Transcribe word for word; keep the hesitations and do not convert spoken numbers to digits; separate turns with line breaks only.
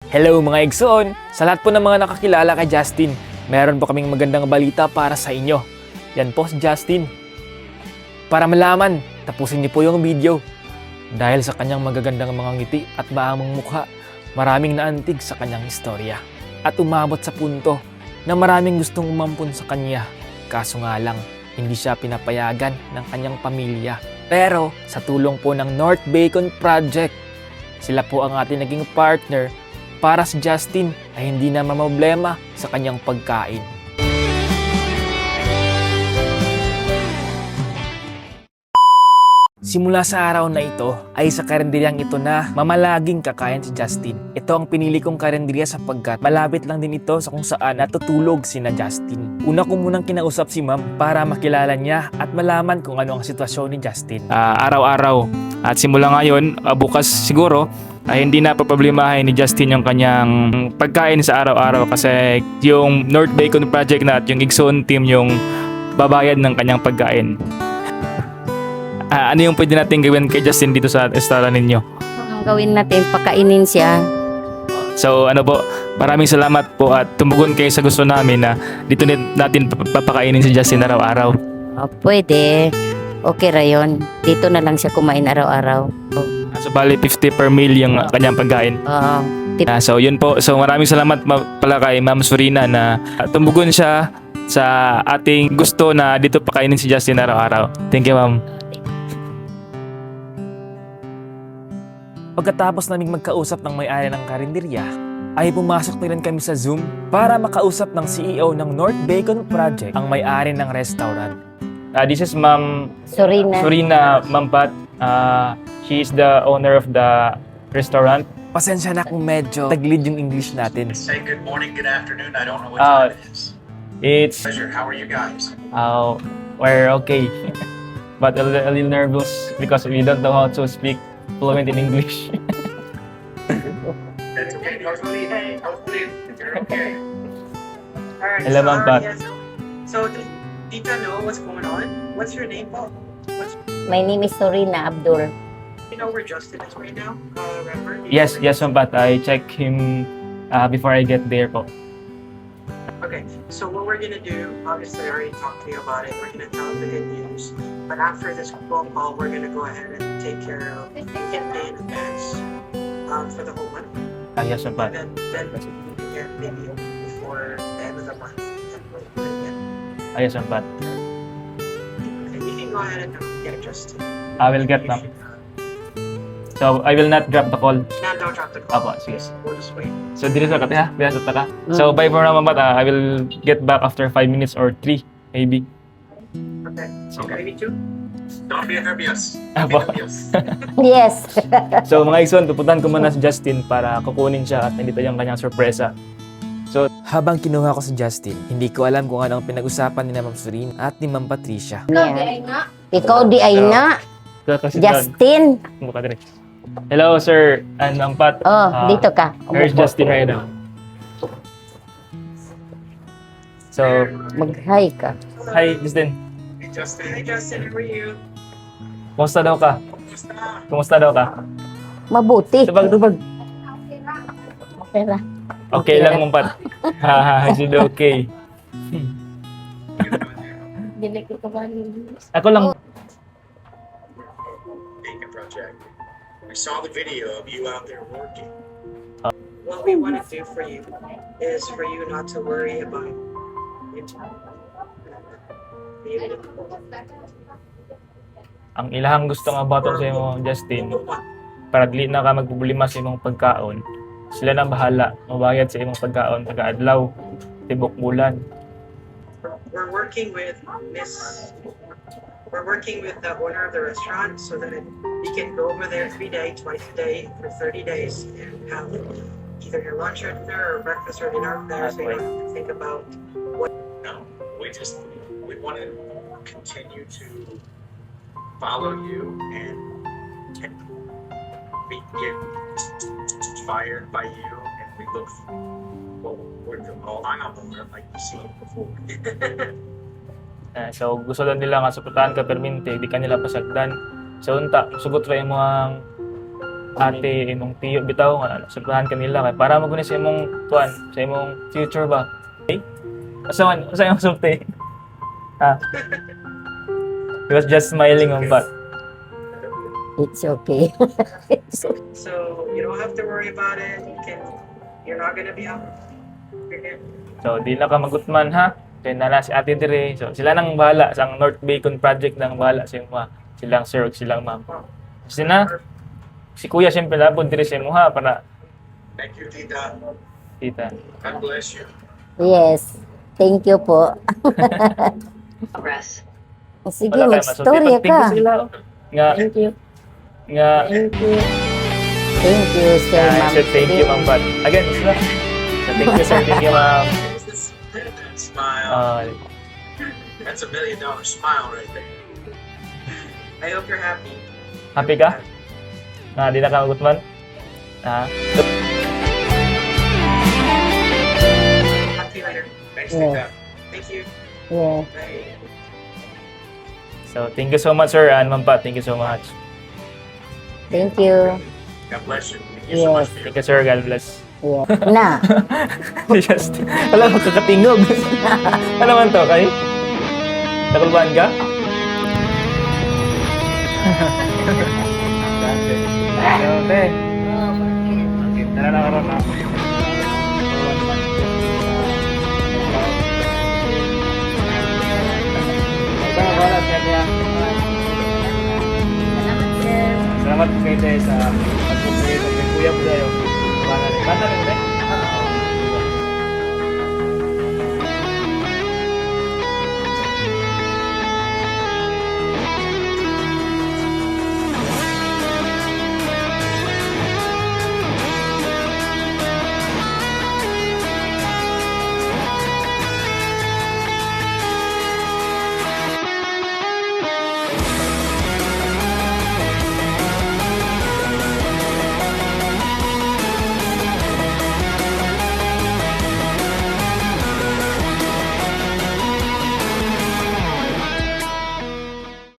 Hello mga Igsoon! Sa lahat po ng mga nakakilala kay Justin, meron po kaming magandang balita para sa inyo. Yan po si Justin. Para malaman, tapusin niyo po yung video. Dahil sa kanyang magagandang mga ngiti at maamang mukha, maraming naantig sa kanyang istorya. At umabot sa punto na maraming gustong umampun sa kanya. Kaso nga lang, hindi siya pinapayagan ng kanyang pamilya. Pero sa tulong po ng North Bacon Project, sila po ang ating naging partner para si Justin ay hindi na mamroblema sa kanyang pagkain. Simula sa araw na ito ay sa karenderyang ito na mamalaging kakain si Justin. Ito ang pinili kong karenderya sapagkat malapit lang din ito sa kung saan natutulog sina Justin. Una ko munang kinausap si ma'am para makilala niya at malaman kung ano ang sitwasyon ni Justin.
Uh, araw-araw at simula ngayon, uh, bukas siguro, ay hindi na paproblemahin ni Justin yung kanyang pagkain sa araw-araw kasi yung North Bacon Project na at yung Igsoon team yung babayad ng kanyang pagkain. Uh, ano yung pwede natin gawin kay Justin dito sa restaurant ninyo?
Ang gawin natin, pakainin siya.
So ano po, maraming salamat po at tumugon kayo sa gusto namin na dito natin papakainin si Justin araw-araw.
Oh, pwede. Okay ra yun. Dito na lang siya kumain araw-araw. Oh.
So bali fifty per meal yung kanyang pagkain.
Uh,
Uh, so yun po. So maraming salamat ma- pala kay Ma'am Surina na uh, tumugon siya sa ating gusto na dito pakainin si Justin araw-araw. Thank you, Ma'am.
Pagkatapos naming magkausap ng may-ari ng karinderya, ay pumasok na rin kami sa Zoom para makausap ng C E O ng North Bacon Project, ang may-ari ng restaurant.
Uh, this is Ma'am
Surina.
Surina Mampat. Uh, she is the owner of the restaurant.
Pasensya na kung medyo taglid yung English natin.
Say good morning, good afternoon. I don't know what
Uh,
time it is.
It's
Pleasure. How are you guys?
uh, we're okay, but a, li- a little nervous because we don't know how to speak fluent in English.
That's okay. Hopefully, hey, hopefully you're okay.
Alright,
Hello,
so,
Ma'am
um,
Pat.
yeah, so, so does Tita know what's going on? What's your name, Paul? What's
My name is Surina Abdul.
you know where Justin is right now? Uh, remember?
Yes, yes, Ma'am Pat. I check him uh, before I get there po.
Okay, so what we're gonna do, obviously I already talked to you about it, we're gonna tell him the good news. But after this phone call, we're gonna go ahead and take care of him pay in advance um, for the whole month.
Ah, yes, Ma'am Pat.
And then, then we can get maybe a week before the end of the month. Then we'll put it in.
Ah, yes, Ma'am Pat.
Okay, you can go ahead and um, get Justin.
I will get,
You
ma'am.
should, uh,
So, I will not drop the call.
No, don't drop the call.
Apo, sige.
We'll just wait.
So, dito sa kati ha? Bila sa taka. So, bye for now, Ma'am Pat. Uh, I will get back after five minutes or three, maybe.
Okay.
Sige.
Okay, me too.
Don't be nervous. Don't
Apo.
be nervous.
Yes.
So, mga Igsoon, pupuntahan ko muna si Justin para kukunin siya at nandito yung kanyang sorpresa.
Habang kinuha ko si Justin, hindi ko alam kung ano ang pinag-usapan ni Ma'am Surina at ni Ma'am Patricia.
Yeah. Ikaw di ay na.
Kasi
Justin.
Mukha din. Hello, sir. And Ma'am Pat.
Oh,
Ah,
dito ka.
Where's Justin right now? So,
Mag-hi ka.
hi, Justin.
Hey, Justin.
Hi, Justin. How are you?
Kumusta daw ka?
Kumusta?
Kumusta daw ka?
Mabuti.
Tubag, tubag.
Okay ra.
Okay lang, Ma'am Pat. Haha, should be okay.
Dili ko ka ba?
Ako lang.
Bacon Project. We saw the video of you out there working.
What we want to do for you is for you not to worry about it. You-
Ang ilahang gusto nga baton sa imo, Justin, para dili na ka magproblema sa imong pagkaon. Sila na bahala, mabayad sa imong pagkaon taga adlaw, tibok bulan.
We're working with Miss. We're working with the owner of the restaurant so that you can go over there every day, twice a day, for thirty days, and have either your lunch or dinner or breakfast or dinner there, so you don't have to think about.
No, we just we want to continue to follow you and, and be get inspired by you, and we look forward to all I'm on board like you've seen before.
Eh, so gusto lang nila nga suportahan ka permente, di ka nila pasagdan. So unta, sugot ra imo ang ate imong tiyo bitaw nga suplahan kanila kay para maguni sa imong kuan sa imong future ba. Okay? Asa man asa imong sulti? Ha? He was just smiling on but
It's okay.
So you don't have to worry about it. You can, you're not gonna be out. You're good.
so di na ka magutman ha. Kay nala si ate dire. So sila nang bahala sa ang North Bacon project nang bahala sa imong silang sir ug silang ma'am. Kasi na si kuya siyempre labod dire sa imo ha para
Thank you, Tita.
tita.
God bless you.
Yes. Thank you po.
Progress.
Sige,
Wala kayo
mag-storya
masulti.
ka.
Pag-tingko sila, oh. Nga,
Thank you.
nga,
Thank you. Thank you, sir,
nga,
ma'am.
sir, thank you, ma'am, but, again, sila. So, thank you, sir, thank you, ma'am.
That smile.
Uh,
That's a million dollar smile right there.
I hope you're happy.
happy ka? Nga, di na ka magutman? Ha?
Talk to you later.
Thanks,
Yeah.
Tita.
Thank you.
Yeah.
Bye.
So, thank you so much, sir, and ma'am, Pat, thank you so much.
Thank you.
God bless you. Thank you so much
Yes.
for your
Thank you, sir, God bless.
Yeah. Na.
Just, alam mo, kakatingog. Ano man to, kay? Nakulbahan ka? Okay. Okay, tara na karon na. Tara, wala, kaya kaya. Salamat po kayo tayo sa pag-complete. Kuya po tayo. Bata rin. Bata rin,